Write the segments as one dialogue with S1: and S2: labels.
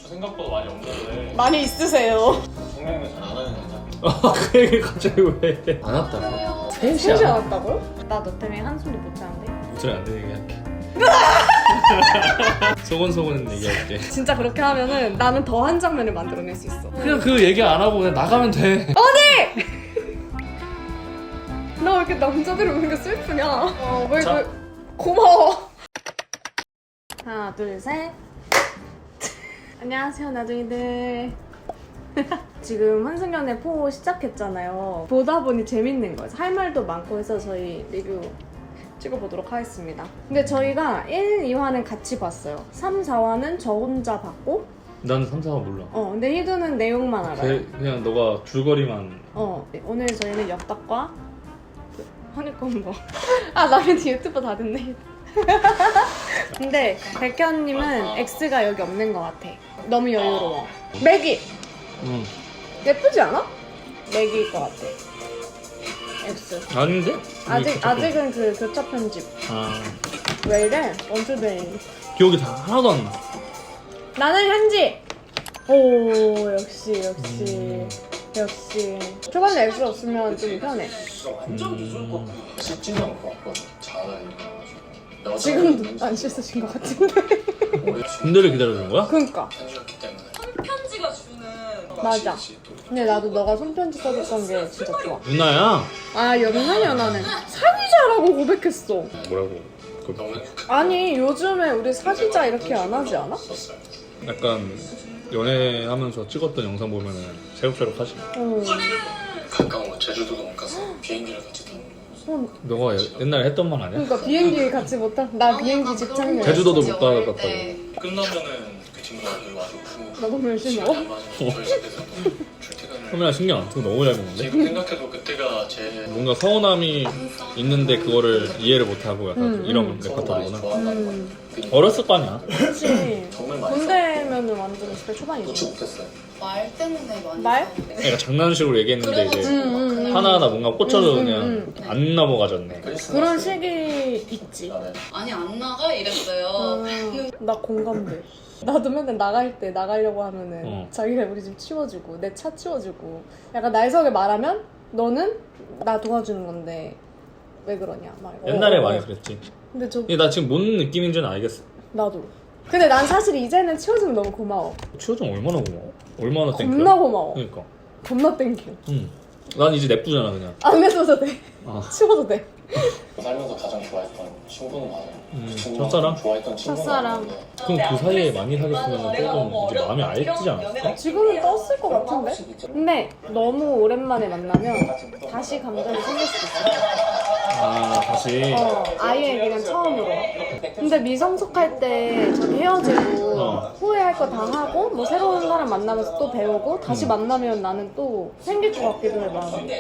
S1: 생각보다 많이 없는데
S2: 많이 있으세요.
S1: 성형을 잘 안 하는 여자.
S3: 그 얘기 갑자기 왜? 안 왔다고?
S2: 셋이 안 왔다고요? 나 너 때문에 한숨도 못 자는데.
S3: 목소리 안 되는 얘기할게. 소곤소곤 얘기할게.
S2: 진짜 그렇게 하면은 나는 더 한 장면을 만들어낼 수 있어.
S3: 그냥 그 얘기 안 하고 그냥 나가면 돼.
S2: 나 왜 이렇게 남자들이 오는 게 슬프냐? 왜
S3: 자.
S2: 고마워. 하나, 둘, 셋. 안녕하세요, 나둥이들. 지금 환승연애 포 시작했잖아요. 보다 보니 재밌는 거예요. 할 말도 많고 해서 저희 리뷰 찍어보도록 하겠습니다. 근데 저희가 1, 2화는 같이 봤어요. 3, 4화는 저 혼자 봤고
S3: 난 3, 4화 몰라.
S2: 근데 희두는 내용만 알아요.
S3: 그냥 너가 줄거리만.
S2: 오늘 저희는 엽떡과 허니콤보. 나는 유튜버 다 됐네. 근데 백현님은 X가 여기 없는 것 같아. 너무 여유로워. 맥이
S3: 응.
S2: 예쁘지 않아? 맥일 것 같아. X.
S3: 아닌데?
S2: 아직은 그 교차 편집. 왜 이래? 원투데이.
S3: 기억이 다 하나도 안 나.
S2: 나는 현지. 오 역시. 초반에 X 없으면 좀 편해.
S1: 완전 무조건 씻지 않고 왔거든. 잘하니까.
S2: 지금도 안 씻으신 것 같은데.
S3: 군대를 기다려주는 거야?
S2: 그니까.
S1: 편지였기 때문에.
S4: 편지가 주는
S2: 맞아. 근데 나도 너가 손편지 써줬던 게 진짜 좋아.
S3: 누나야?
S2: 연하냐 나는 사귀자라고 고백했어.
S3: 뭐라고?
S1: 너무
S2: 아니 요즘에 우리 사귀자 이렇게 안 하지 않아?
S1: 좋았어요.
S3: 약간 연애하면서 찍었던 영상 보면은 새록새록하지.
S1: 가까워. 제주도도 못 가서 비행기를 같이 타는 거.
S3: 너가 옛날에 했던 말 아니야?
S2: 그러니까 비행기 같이 못 타. 나 비행기 직장이야.
S3: 제주도도 못 가봤다고.
S1: 끝나면은 그 친구가 여기 와서
S2: 나 너무 열심히 먹어.
S1: 저희 집에서 출퇴근을.
S3: 카메라 신경 안 쓰고 너무 잘 먹는데?
S1: 지금 생각해도 그때가 제
S3: 뭔가 서운함이 있는데 그거를 이해를 못하고 약간 이런 레퍼토리구나. 어렸을 거 아니야?
S2: 그치.
S1: 정말 많이
S2: 군대면은 완전 20대
S1: 놓지
S2: 초반이지.
S1: 못했어요.
S4: 말 때문에 많이
S2: 말?
S4: 싸우는데.
S3: 그러니까 장난식으로 얘기했는데 이제
S4: 그래가지고
S3: 하나하나 뭔가 꽂혀서 그냥 안 넘어가졌네.
S2: 그런 시기 있지.
S1: 나는
S4: 아니 안 나가 이랬어요.
S2: 나 공감돼. 나도 맨날 나가려고 하면은 자기가 우리 집 치워주고 내 차 치워주고 약간 날석에 말하면 너는 나 도와주는 건데 왜 그러냐 막.
S3: 옛날에 많이 그랬지.
S2: 근데
S3: 근데 나 지금 뭔 느낌인지는 알겠어.
S2: 나도. 근데 난 사실 이제는 치워주면 너무 고마워.
S3: 치워주면 얼마나 고마워? 얼마나 땡큐야?
S2: 겁나 고마워.
S3: 그러니까.
S2: 겁나 땡큐.
S3: 난 이제 냅두잖아 그냥.
S2: 안 해줘도 돼. 치워도 돼.
S1: 살면서 가장 좋아했던 친구는 맞아요. 그 친구가
S3: 첫사랑?
S1: 좋아했던 친구가
S2: 첫사랑.
S1: 맞는데
S3: 그럼 그 사이에 많이 사귀었으면 조금 이제 마음이 알지지 않았을까?
S2: 지금은 떴을 것 같은데? 근데 너무 오랜만에 만나면 다시 감정이 생길 수도 있어.
S3: 다시.
S2: 아예 그냥 처음으로. 근데 미성숙할 때 저기 헤어지고 후회할 거 다 하고 뭐 새로운 사람 만나면서 또 배우고 다시 만나면 나는 또 생길 것 같기도 해 마음이.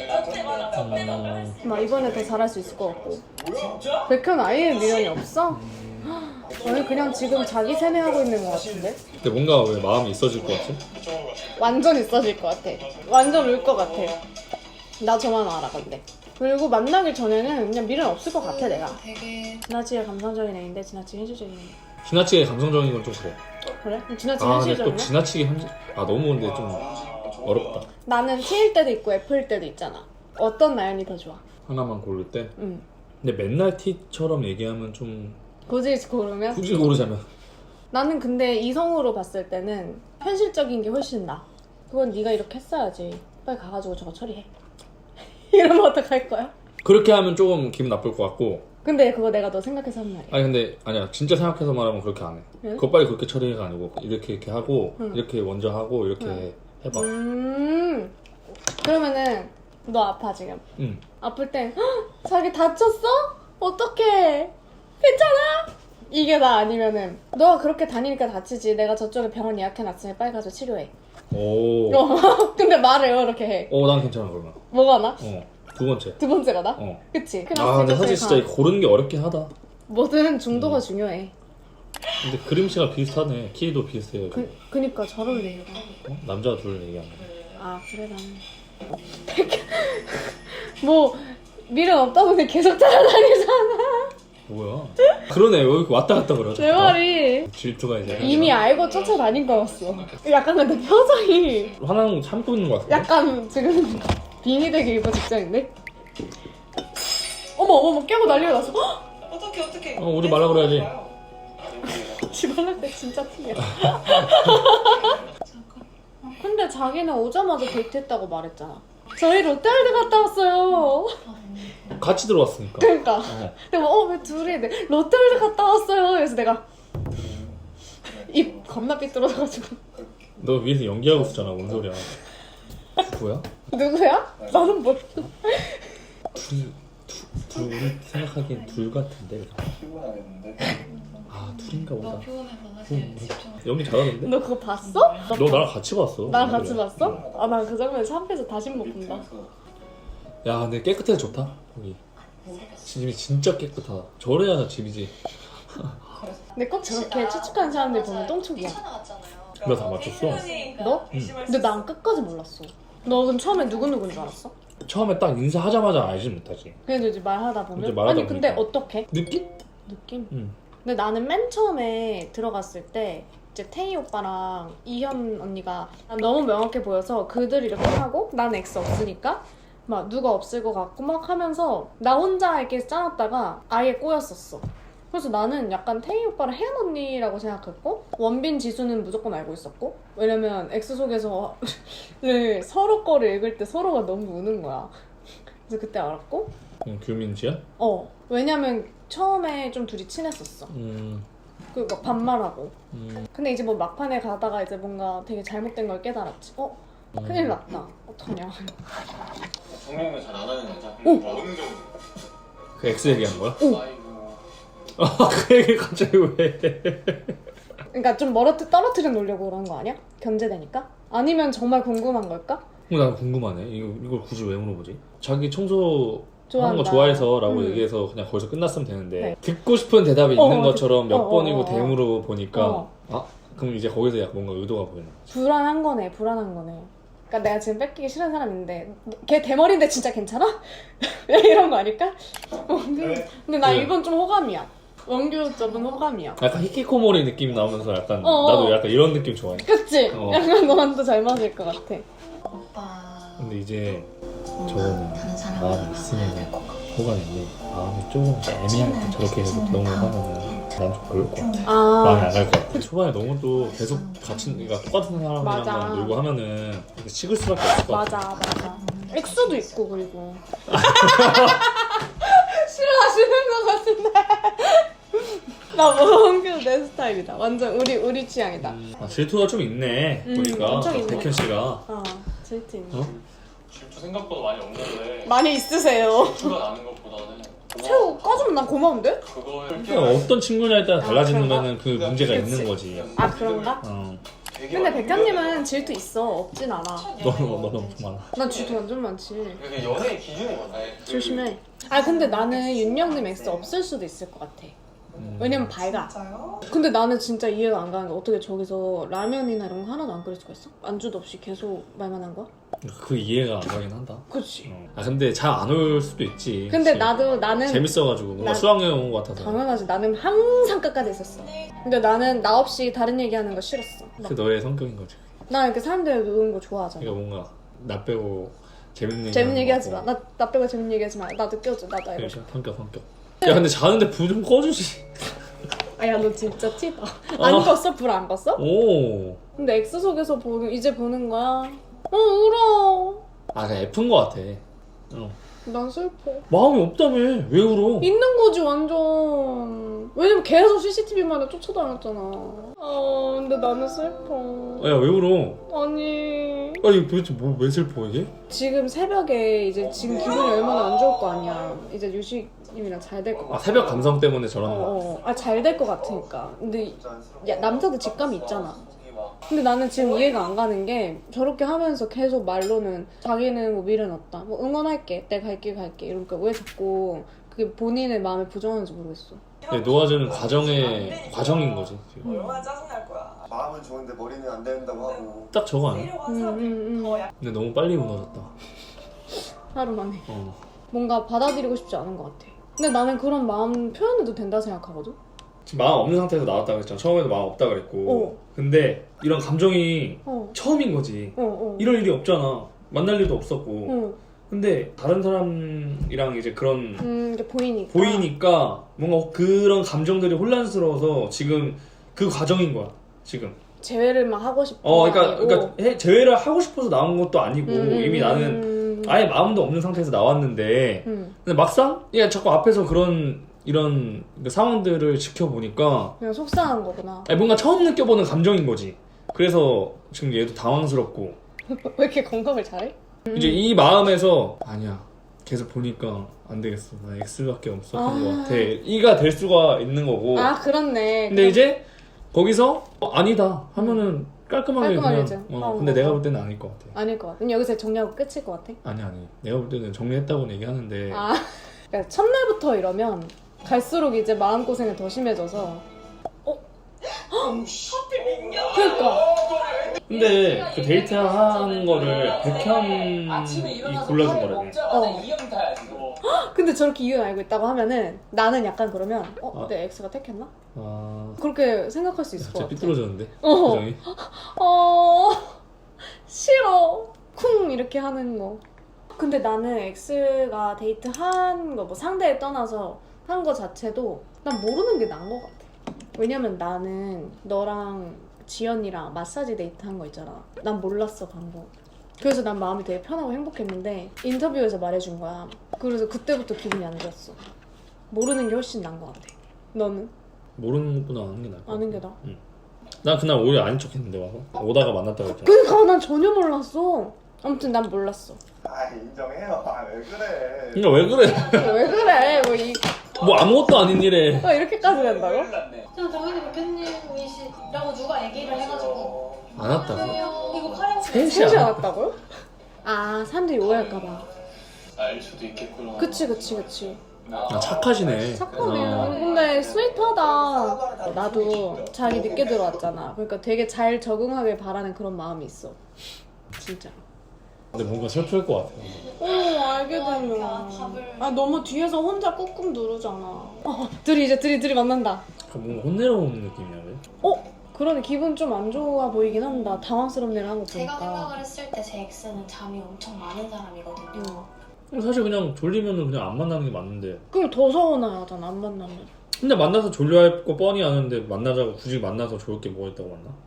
S2: 막 이번에 더 잘할 수 있을 것 같고. 백현 아예 미련이 없어? 저는 그냥 지금 자기 세뇌하고 있는 것 같은데?
S3: 근데 뭔가 왜 마음이 있어질 것 같지?
S2: 완전 있어질 것 같아. 완전 울 것 같아. 나 저만 알아 근데. 그리고 만나기 전에는 그냥 미련 없을 것 같아 내가.
S4: 되게
S2: 지나치게 감성적인 애인데 지나치게 현실적인 애.
S3: 지나치게 감성적인 건 좀 그래.
S2: 그래? 지나치게
S3: 근데
S2: 현실적이야?
S3: 또 지나치게 너무 근데 좀 어렵다.
S2: 나는 T일 때도 있고 F일 때도 있잖아. 어떤 나연이 더 좋아?
S3: 하나만 고를 때.
S2: 응.
S3: 근데 맨날 T처럼 얘기하면 좀
S2: 굳이 고르면?
S3: 굳이 고르자면
S2: 나는 근데 이성으로 봤을 때는 현실적인 게 훨씬 나아. 그건 네가 이렇게 했어야지. 빨리 가가지고 저거 처리해. 이러면 어떡할 거야?
S3: 그렇게 하면 조금 기분 나쁠 것 같고.
S2: 근데 그거 내가 너 생각해서 한 말이야.
S3: 아니 근데 아니야 진짜 생각해서 말하면 그렇게 안 해.
S2: 응?
S3: 그거 빨리 그렇게 처리가 아니고 이렇게 하고 이렇게 먼저 하고 이렇게 해봐.
S2: 그러면은 너 아파 지금.
S3: 응.
S2: 아플 땐 "헉, 자기 다쳤어? 어떡해? 괜찮아? 이게 나 아니면은 너가 그렇게 다니니까 다치지. 내가 저쪽에 병원 예약해놨으니 빨리 가서 치료해.
S3: 오.
S2: 근데 말을 이렇게 해.
S3: 난 괜찮아 그러면.
S2: 뭐가 나?
S3: 두 번째.
S2: 두 번째가 나? 그치?
S3: 근데 사실 진짜 고르는 게 어렵긴 하다.
S2: 뭐든 중도가 중요해.
S3: 근데 그림체가 비슷하네. 키도 비슷해요.
S2: 그니까 잘 어울려.
S3: 남자 둘 얘기하는 거.
S2: 그래 나는 뭐 미련 없다고 그냥 계속 따라다니잖아.
S3: 뭐야? 그러네. 왜 이렇게 왔다 갔다 그래?
S2: 내 말이
S3: 질투가 이제
S2: 이미 알고 쫓아다닌 거였어. 약간 근데 표정이
S3: 화나는 거 참고 있는 거 같은데?
S2: 약간 지금 빙의 되기 일보 직전인데? 어머 깨고 난리가 났어. 헉!
S4: 어떻게
S3: 오지 말라 그래야지.
S2: 집안할 때 진짜 티야. 근데 자기는 오자마자 데이트했다고 말했잖아. 저희 롯데월드 갔다 왔어요.
S3: 같이 들어왔으니까.
S2: 그러니까 내가 왜 둘이 롯데월드 갔다 왔어요. 그래서 내가 입 겁나 삐뚤어져가지고
S3: 너 위에서 연기하고 있었잖아. 뭔 소리야? 누구야?
S2: 누구야? 나는 몰라.
S3: 둘 우리 생각하기엔 둘 같은데.
S1: 피곤하겠는데?
S3: 아 둘인가 보다.
S4: 너무 피곤해서 사실 집중.
S3: 연기 잘하던데?
S2: 너 그거 봤어?
S3: 너 나랑 같이 봤어.
S2: 나랑 같이 봤어? 아 나 그 장면 샵에서 다시 못 본다.
S3: 야 근데 깨끗해서 좋다. 거기 집이 진짜 깨끗하다. 저래야 집이지.
S2: 근데 꼭 저렇게 추측하는 사람들 보면 똥촉이야.
S4: 나갔잖아요.
S3: 나 다 맞췄어.
S2: 너?
S3: 응.
S2: 근데 난 끝까지 몰랐어. 너 그럼 처음에 누구누구인 줄 알았어?
S3: 처음에 딱 인사하자마자 알지 못하지.
S2: 그래도 이제 말하다 보면
S3: 이제 말하다
S2: 아니 근데
S3: 보니까.
S2: 어떻게?
S3: 느낌?
S2: 느낌?
S3: 응.
S2: 근데 나는 맨 처음에 들어갔을 때 이제 태희 오빠랑 이현 언니가 난 너무 명확해 보여서 그들 이렇게 하고 난 엑스 없으니까 막 누가 없을 것 같고 막 하면서 나 혼자 이렇게 짜놨다가 아예 꼬였었어. 그래서 나는 약간 태희 오빠랑 혜연 언니라고 생각했고 원빈 지수는 무조건 알고 있었고 왜냐면 엑스 속에서 서로 거를 읽을 때 서로가 너무 우는 거야. 그래서 그때 알았고
S3: 규민지야?
S2: 왜냐면 처음에 좀 둘이 친했었어. 그 막 반말하고. 근데 이제 뭐 막판에 가다가 이제 뭔가 되게 잘못된 걸 깨달았지. 큰일 났다. 어떡하냐.
S1: 성명을 잘 안 하는 여자? 어느 정도?
S3: 그 X 얘기한 거야?
S1: 아이고
S3: 그 얘기 갑자기 왜?
S2: 그러니까 좀 떨어뜨려 놓으려고 그런 거 아니야? 견제되니까? 아니면 정말 궁금한 걸까?
S3: 난 궁금하네. 이걸 굳이 왜 물어보지? 자기 청소 하는 거
S2: 좋아한다.
S3: 좋아해서 라고 얘기해서 그냥 거기서 끝났으면 되는데
S2: 네.
S3: 듣고 싶은 대답이 있는 것처럼 몇
S2: 어,
S3: 번이고
S2: 어.
S3: 대무로 보니까
S2: 어.
S3: 아? 그럼 이제 거기서 약간 뭔가 의도가 보이는 거지.
S2: 불안한 거네. 그러니까 내가 지금 뺏기기 싫은 사람인데 걔 대머리인데 진짜 괜찮아? 이런 거 아닐까? 근데 나
S3: 네.
S2: 이건 좀 호감이야. 원규 쪽은 호감이야.
S3: 약간 히키코모리 느낌이 나오면서 약간
S2: 어.
S3: 나도 약간 이런 느낌 좋아해.
S2: 그치?
S3: 어.
S2: 약간 너한테 잘 맞을 것 같아.
S4: 오빠.
S3: 근데 이제
S4: 뭔가
S3: 저거는
S4: 다른 사람을
S3: 마음이
S4: 만나야
S3: 있으면
S4: 될것 같고.
S3: 호감인데 마음이 조금 애매할 때 저렇게 해서 너무 하면은 난 좀 그럴 것 같아.
S2: 아.
S3: 마음이 안 갈 것 같아. 초반에 너무 또 계속 같이 그러니까 똑같은 사람이랑
S2: 맞아.
S3: 놀고 하면은 이렇게 식을 수밖에 없을 것 같아.
S2: 맞아. 엑소도 있고 그리고 싫어하시는 것 같은데. 나 원규 내 스타일이다. 완전 우리 취향이다.
S3: 질투가 좀 있네. 보니까
S2: 엄청 있네.
S3: 백현 씨가.
S2: 질투 있네.
S3: 어?
S1: 질투 생각보다 많이 없는데
S2: 많이 있으세요.
S1: 질투가 나는 것보다는
S2: 새우 까주면 난 고마운데?
S1: 그걸
S3: 그냥 어떤 친구냐에 따라 달라지는
S2: 그런가?
S3: 거는 그 문제가
S2: 그치.
S3: 있는 거지.
S2: 아 그런가? 근데 백현님은 질투 있어. 없진 않아.
S3: 너는 엄청 많아.
S2: 난 질투 완전 많지.
S1: 그게 연애의 기준이 뭐야?
S2: 조심해. 아 근데 나는 윤영님 엑스 없을 수도 있을 것 같아. 왜냐면 밝아. 근데 나는 진짜 이해가 안 가는 게 어떻게 저기서 라면이나 이런 거 하나도 안 끓일 수가 있어? 안주도 없이 계속 말만 한 거야?
S3: 그 이해가 안 가긴 한다.
S2: 그치.
S3: 아 근데 잘 안 올 수도 있지.
S2: 근데
S3: 그치?
S2: 나는
S3: 재밌어가지고 뭔가
S2: 나-
S3: 수학여행 온 것 같아서.
S2: 당연하지. 나는 항상 끝까지 있었어. 근데 나는 나 없이 다른 얘기하는 거 싫었어.
S3: 그게 너의 성격인 거지.
S2: 나 이렇게 사람들 노는 거 좋아하잖아.
S3: 그러니까 뭔가 나 빼고 재밌는
S2: 재밌는 얘기 하지
S3: 하는
S2: 마.
S3: 거.
S2: 나 빼고 재밌는 얘기 하지 마. 나 느껴져. 나도 알고 싶어.
S3: 그러니까 성격. 야 근데 자는데 불 좀 꺼주지.
S2: 아야 너 진짜 티다. 안 껐어? 불 안 껐어?
S3: 오.
S2: 근데 엑스 속에서 이제 보는 거야. 울어.
S3: 아 그냥 F인 것 같아.
S2: 난 슬퍼.
S3: 마음이 없다며. 왜 울어?
S2: 있는 거지 완전. 왜냐면 계속 CCTV만에 쫓아다녔잖아. 근데 나는 슬퍼.
S3: 야 왜 울어?
S2: 아니
S3: 아니 도대체 왜 슬퍼 이게?
S2: 지금 새벽에 이제 지금 기분이 얼마나 안 좋을 거 아니야. 이제 유식님이랑 잘 될 것 같아.
S3: 아 새벽 감성 때문에 저러는 거야.
S2: 잘 될 것 같으니까. 근데 남자도 직감이 있잖아. 근데 나는 지금 이해가 안 가는 게 저렇게 하면서 계속 말로는 자기는 뭐 미련 없다. 뭐 응원할게. 내가 갈게. 이러니까 왜 자꾸 그게 본인의 마음에 부정하는지 모르겠어.
S3: 네, 놓아주는 과정인 거지 지금.
S5: 얼마나 짜증날 거야.
S6: 마음은 좋은데 머리는 안 된다고 하고.
S3: 딱 저거 아니야?
S5: 데려간 사람이 더 약.
S3: 근데 너무 빨리 무너졌다.
S2: 하루 만에.
S3: 어.
S2: 뭔가 받아들이고 싶지 않은 것 같아. 근데 나는 그런 마음 표현해도 된다 생각하거든.
S3: 지금 마음 없는 상태에서 나왔다 그랬잖아. 처음에도 마음 없다 그랬고. 근데 이런 감정이 처음인 거지. 이럴 일이 없잖아. 만날 일도 없었고. 근데 다른 사람이랑 이제 그런
S2: 이제 보이니까.
S3: 뭔가 그런 감정들이 혼란스러워서 지금 그 과정인 거야. 지금.
S2: 재회를 막 하고 싶어.
S3: 그러니까 재회를 하고 싶어서 나온 것도 아니고 이미 나는 아예 마음도 없는 상태에서 나왔는데 근데 막상 자꾸 앞에서 이런 상황들을 지켜보니까
S2: 그냥 속상한 거구나.
S3: 뭔가 처음 느껴보는 감정인 거지. 그래서 지금 얘도 당황스럽고
S2: 왜 이렇게 건강을 잘해?
S3: 이제 이 마음에서 아니야 계속 보니까 안 되겠어. 나 X밖에 없었던 것 같아. E가 될 수가 있는 거고.
S2: 그렇네.
S3: 근데 이제 거기서 아니다 하면은 깔끔하게
S2: 깔끔하게
S3: 그냥 근데 내가 볼 때는 아닐 것 같아.
S2: 아닐 것 같아. 그럼 여기서 정리하고 끝일 것 같아?
S3: 아니 내가 볼 때는 정리했다고는 얘기하는데
S2: 그러니까 첫날부터 이러면 갈수록 이제 마음고생이 더 심해져서 그러니까
S3: 근데 그 데이트하는 거를 백현이 골라준 거라며.
S2: 근데 저렇게 이유는 알고 있다고 하면은 나는 약간 그러면 내 X가 택했나? 그렇게 생각할 수 있을 것 같아.
S3: 삐뚤어졌는데 표정이.
S2: 싫어 쿵 이렇게 하는 거. 근데 나는 X가 데이트한 거 뭐 상대에 떠나서 한 거 자체도 난 모르는 게 나은 것 같아. 왜냐면 나는 너랑 지연이랑 마사지 데이트 한 거 있잖아. 난 몰랐어 방법. 그래서 난 마음이 되게 편하고 행복했는데 인터뷰에서 말해준 거야. 그래서 그때부터 기분이 안 좋았어. 모르는 게 훨씬 나은 것 같아. 너는?
S3: 모르는 것보다 아는 게 나을 것 같아.
S2: 아는 게 나아?
S3: 응. 난 그날 오히려 아닌 척 했는데 와서 오다가 만났다고 했잖아.
S2: 그러니까 난 전혀 몰랐어. 아무튼 난 몰랐어.
S6: 인정해요. 왜 그래?
S3: 그러니까 왜 그래?
S2: 왜 그래?
S3: 뭐 아무것도 아닌 일에
S2: 이렇게까지 된다고?
S4: 저는 당연히 대표님이시라고 누가 얘기를 해가지고
S3: 안 왔다고?
S4: 이거 카레
S2: 셋이 안 왔다고요? 사람들이 오해할까봐.
S1: 알 수도 있겠구나.
S2: 그치.
S3: 착하시네.
S2: 착하네. 근데 스윗하다. 나도 자기 늦게 들어왔잖아. 그러니까 되게 잘 적응하길 바라는 그런 마음이 있어. 진짜.
S3: 근데 뭔가 슬플 것 같아.
S2: 알게 되면. 너무 뒤에서 혼자 꾹꾹 누르잖아. 둘이 만난다.
S3: 뭔가 혼내러 오는 느낌이야 왜?
S2: 그러네. 기분 좀 안 좋아 보이긴 한다. 당황스럽네 한 거
S4: 제가
S2: 보니까.
S4: 생각을 했을 때 제 X는 잠이 엄청 많은 사람이거든요.
S3: 사실 그냥 졸리면은 그냥 안 만나는 게 맞는데.
S2: 그럼 더 서운하잖아 안 만나면.
S3: 근데 만나서 졸려할 거 뻔히 아는데 만나자고 굳이 만나서 좋을 게 뭐가 있다고 만나?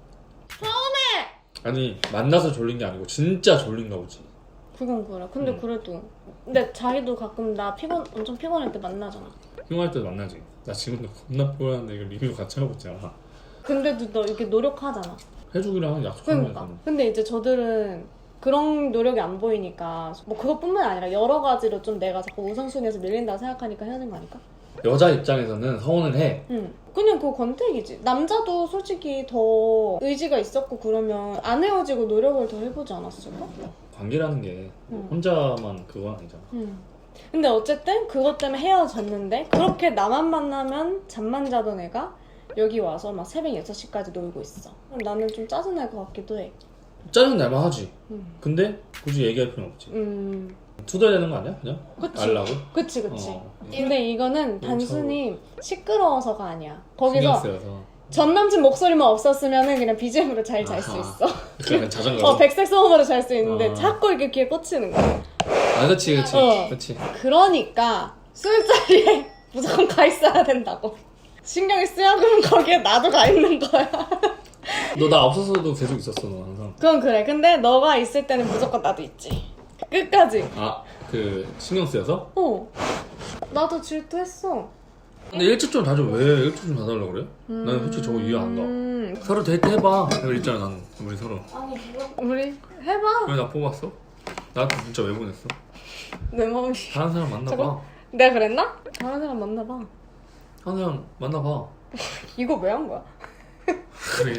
S3: 아니 만나서 졸린 게 아니고 진짜 졸린가 보지.
S2: 그건 그래. 근데 그래도. 근데 자기도 가끔 나 엄청 피곤할 때 만나잖아.
S3: 피곤할 때도 만나지. 나 지금도 겁나 피곤한데 이거 리뷰 같이 하고 있잖아.
S2: 근데도 너 이렇게 노력하잖아.
S3: 해주기로 한 약속한
S2: 그러니까.
S3: 거니까.
S2: 근데 이제 저들은 그런 노력이 안 보이니까 뭐 그것뿐만 아니라 여러 가지로 좀 내가 자꾸 우선순위에서 밀린다고 생각하니까 헤어진 거 아닐까?
S3: 여자 입장에서는 서운은 해.
S2: 그냥 그거 권태기지. 남자도 솔직히 더 의지가 있었고 그러면 안 헤어지고 노력을 더 해보지 않았을까?
S3: 관계라는 게 혼자만 그건 아니잖아.
S2: 근데 어쨌든 그것 때문에 헤어졌는데 그렇게 나만 만나면 잠만 자던 애가 여기 와서 막 새벽 6시까지 놀고 있어. 그럼 나는 좀 짜증날 것 같기도 해.
S3: 짜증 날만 하지. 근데 굳이 얘기할 필요는 없지. 투덜 되는 거 아니야? 그냥?
S2: 그치.
S3: 알라고?
S2: 그치. 근데 이거는 단순히 시끄러워서가 아니야. 거기서 전 남친 목소리만 없었으면 그냥 BGM으로 잘 잘 수 있어.
S3: 그냥 자전거.
S2: 백색 소음으로 잘 수 있는데 자꾸 이렇게 귀에 꽂히는 거야.
S3: 그치.
S2: 그러니까 술자리에 무조건 가 있어야 된다고. 신경이 쓰여 그러면 거기에 나도 가 있는 거야.
S3: 너 나 없었어도 계속 있었어 너 항상.
S2: 그건 그래. 근데 너가 있을 때는 무조건 나도 있지. 끝까지.
S3: 신경 쓰여서?
S2: 나도 질투했어.
S3: 근데 일찍 좀 다져. 왜 일찍 좀 다달라고 그래? 나는 솔직히 저거 이해 안 가. 서로 데이트 해봐. 내가 있잖아 나는. 우리 서로.
S2: 우리 해봐.
S3: 왜 나 뽑았어? 나한테 진짜 왜 보냈어?
S2: 내 마음이.
S3: 다른 사람 만나봐.
S2: 내가 그랬나? 다른 사람 만나봐.
S3: 다른 사람 만나봐.
S2: 이거 왜 한 거야?
S3: 그래.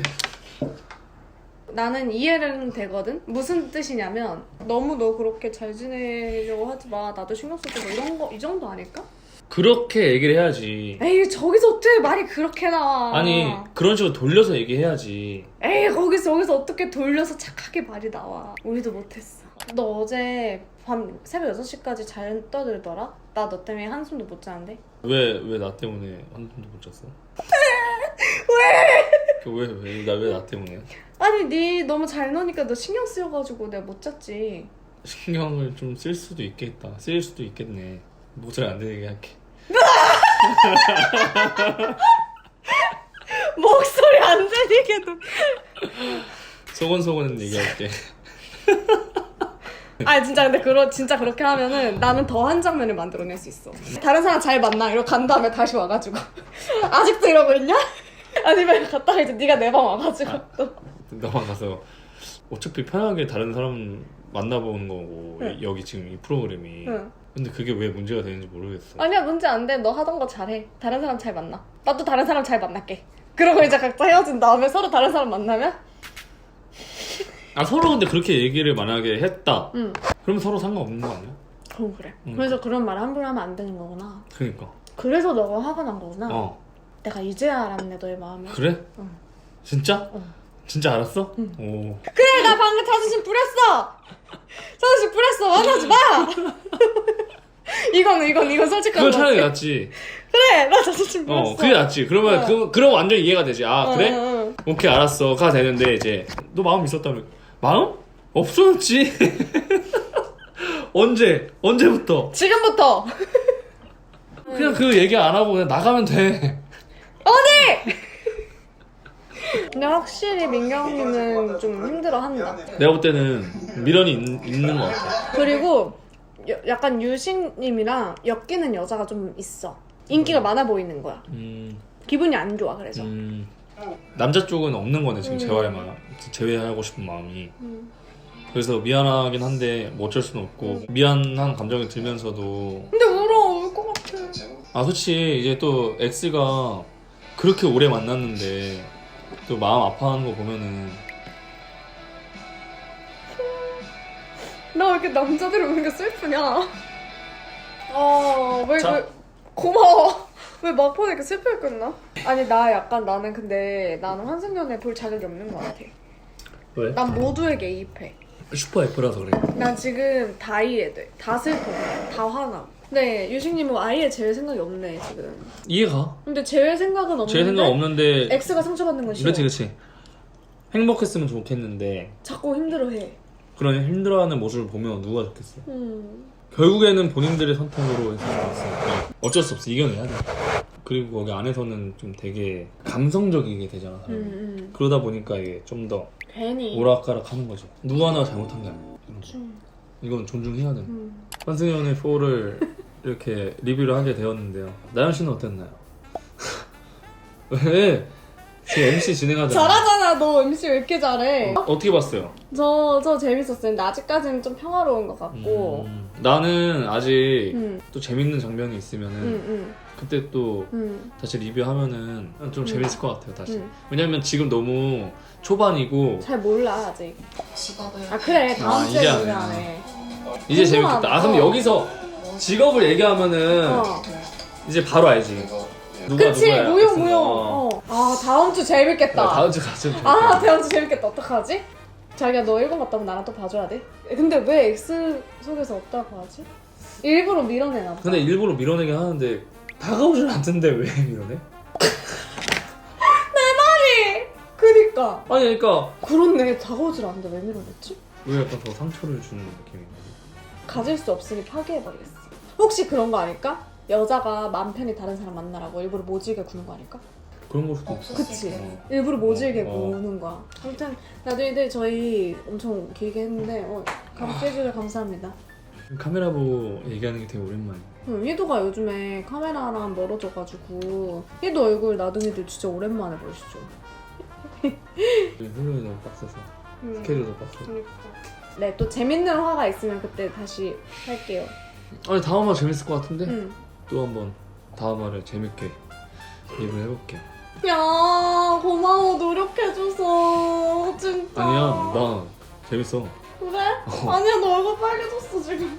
S2: 나는 이해는 되거든? 무슨 뜻이냐면 너무 너 그렇게 잘 지내려고 하지 마. 나도 신경 쓸 때 이런 거 이 정도 아닐까?
S3: 그렇게 얘기를 해야지.
S2: 에이 저기서 어떻게 말이 그렇게 나와.
S3: 아니 그런 식으로 돌려서 얘기해야지.
S2: 에이 거기서 어떻게 돌려서 착하게 말이 나와. 우리도 못했어. 너 어제 밤 새벽 6시까지 잘 떠들더라? 나 너 때문에 한숨도 못 자는데?
S3: 왜 나 때문에 한숨도 못 잤어? 왜 나 때문에?
S2: 아니 니 너무 잘 노니까 너 신경 쓰여가지고 내가 못 잤지.
S3: 신경을 좀 쓸 수도 있겠다. 쓰일 수도 있겠네. 목소리 안 들리게 할게.
S2: 목소리 안 들리게도.
S3: 소곤소곤 얘기할게.
S2: 아니 진짜 근데 진짜 그렇게 하면은 나는 더 한 장면을 만들어낼 수 있어. 다른 사람 잘 만나 이러고 간 다음에 다시 와가지고 아직도 이러고 있냐? 아니면 갔다가 이제 네가 내 방 와가지고 또
S3: 너만 가서 어차피 편하게 다른 사람 만나보는 거고
S2: 응.
S3: 여기 지금 이 프로그램이
S2: 응.
S3: 근데 그게 왜 문제가 되는지 모르겠어.
S2: 아니야 문제 안 돼. 너 하던 거 잘해. 다른 사람 잘 만나. 나도 다른 사람 잘 만날게. 그러고 이제 각자 헤어진 다음에 서로 다른 사람 만나면
S3: 서로 근데 그렇게 얘기를 만약에 했다.
S2: 응.
S3: 그러면 서로 상관없는 거 아니야?
S2: 그래.
S3: 응.
S2: 그래서 그런 말 함부로 하면 안 되는 거구나.
S3: 그니까.
S2: 그래서 너가 화가 난 거구나.
S3: 내가
S2: 내가 이제야 알았네 너의 마음을.
S3: 그래?
S2: 응.
S3: 진짜?
S2: 응.
S3: 진짜 알았어?
S2: 응.
S3: 오.
S2: 그래 나 방금 자존심 부렸어. 자존심 부렸어. 화나지 마. 이건 솔직한
S3: 그거
S2: 거지.
S3: 차라리 낫지.
S2: 그래 나 자존심 부렸어.
S3: 그게 낫지. 그러면 그럼 완전 이해가 되지. 그래?
S2: 응.
S3: 오케이 알았어. 가 되는데 이제 너 마음 있었다며. 마음? 없었지. 언제부터?
S2: 지금부터.
S3: 그냥 그 얘기 안 하고 그냥 나가면 돼.
S2: 근데 확실히 민경이는 좀 힘들어한다.
S3: 내가 볼 때는 미련이 있는 것 같아.
S2: 그리고 약간 유식님이랑 엮이는 여자가 좀 있어. 인기가 많아 보이는 거야. 기분이 안 좋아 그래서.
S3: 남자 쪽은 없는 거네 지금 제외하고 싶은 마음이. 그래서 미안하긴 한데 뭐 어쩔 수는 없고 미안한 감정이 들면서도
S2: 근데 울 것 같아.
S3: 솔직히 이제 또 X가 그렇게 오래 만났는데 또 마음 아파하는 거 보면은
S2: 나 왜 이렇게 남자들이 우는 게 슬프냐? 왜
S3: 자.
S2: 고마워. 왜 막판에 이렇게 슬프게 끝나? 아니 나는 근데 나는 환승연애 볼 자격이 없는 것 같아.
S3: 왜?
S2: 난 모두에게 이입해.
S3: 슈퍼 F라서 그래.
S2: 난 지금 다 이해돼. 다 슬퍼. 다 화나. 근데 유식님은 아예 제외 생각이 없네 지금.
S3: 이해가.
S2: 근데 제외 생각은 없는데
S3: 제 생각 없는데
S2: X가 상처받는 건 싫어.
S3: 그렇지 행복했으면 좋겠는데
S2: 자꾸 힘들어해.
S3: 그런 힘들어하는 모습을 보면 누가 좋겠어. 결국에는 본인들의 선택으로 해서 좋았으니까 어쩔 수 없어. 이겨내야 돼. 그리고 거기 안에서는 좀 되게 감성적이게 되잖아 사람이. 그러다 보니까 이게 좀 더
S2: 괜히
S3: 오락가락 하는 거지. 누구 하나 잘못한 게 아니야. 이건 존중해야 돼. 환승연의 4를 이렇게 리뷰를 하게 되었는데요. 나연 씨는 어땠나요? 왜? 지금 MC 진행하잖아.
S2: 잘하잖아. 너 MC 왜 이렇게 잘해?
S3: 어떻게 봤어요?
S2: 저 재밌었어요. 근데 아직까지는 좀 평화로운 것 같고.
S3: 나는 아직
S2: 음.
S3: 또 재밌는 장면이 있으면은 그때 또 다시 리뷰하면은 좀 재밌을 것 같아요 다시. 왜냐면 지금 너무 초반이고
S2: 잘 몰라 아직.
S4: 직업을
S2: 그래 다음
S3: 이제
S2: 주에
S3: 안 해.
S2: 얘기하네.
S3: 이제
S2: 궁금하다.
S3: 재밌겠다. 근데 여기서 직업을 얘기하면은 이제 바로 알지. 누가
S2: 그치
S3: 누구야.
S2: 무용. 다음 주 재밌겠다.
S3: 다음 주 가서
S2: 다음 주 재밌겠다. 어떡하지? 자기야 너 일본 갔다 오면 나랑 또 봐줘야 돼? 근데 왜 X 속에서 없다고 하지? 일부러 밀어내나 보다.
S3: 근데 일부러 밀어내긴 하는데 다가오질 않던데 왜 밀어내?
S2: 그니까.
S3: 아니 그러니까
S2: 그렇네. 다가오질 않는데 왜 밀어냈지?
S3: 왜 약간 더 상처를 주는 느낌인가?
S2: 가질 수 없으니 파괴해버리겠어. 혹시 그런 거 아닐까? 여자가 맘 편히 다른 사람 만나라고 일부러 모질게 구는 거 아닐까?
S3: 그런 걸 수도 있어.
S4: 없었을
S2: 그치?
S4: 때
S2: 일부러 모질게
S3: 어.
S2: 구는 거야. 아무튼 나들이들 저희 엄청 길게 했는데 같이 해주셔서 감사합니다.
S3: 카메라 보고 얘기하는 게 되게 오랜만이야.
S2: 희도가 요즘에 카메라랑 멀어져가지고 희도 얼굴 나둥이들 진짜 오랜만에 보시죠.
S3: 훈련이 너무 빡세서 스케줄도 빡세고.
S2: 네, 또 재밌는 화가 있으면 그때 다시 할게요.
S3: 아니 다음 화 재밌을 것 같은데?
S2: 응.
S3: 또 한번 다음 화를 재밌게 리뷰를 해볼게.
S2: 야, 고마워. 노력해줘서. 진짜.
S3: 아니야 나 재밌어.
S2: 그래? 아니야, 너 얼굴 빨개졌어, 지금.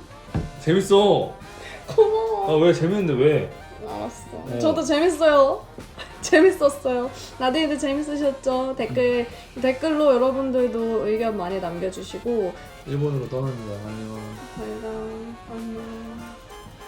S3: 재밌어.
S2: 고마워.
S3: 아 왜 재밌는데 왜?
S2: 알았어. 저도 재밌어요. 재밌었어요. 나들이도 재밌으셨죠? 댓글로 여러분들도 의견 많이 남겨주시고
S3: 일본으로 떠납니다. 안녕.
S2: 저희가 안녕.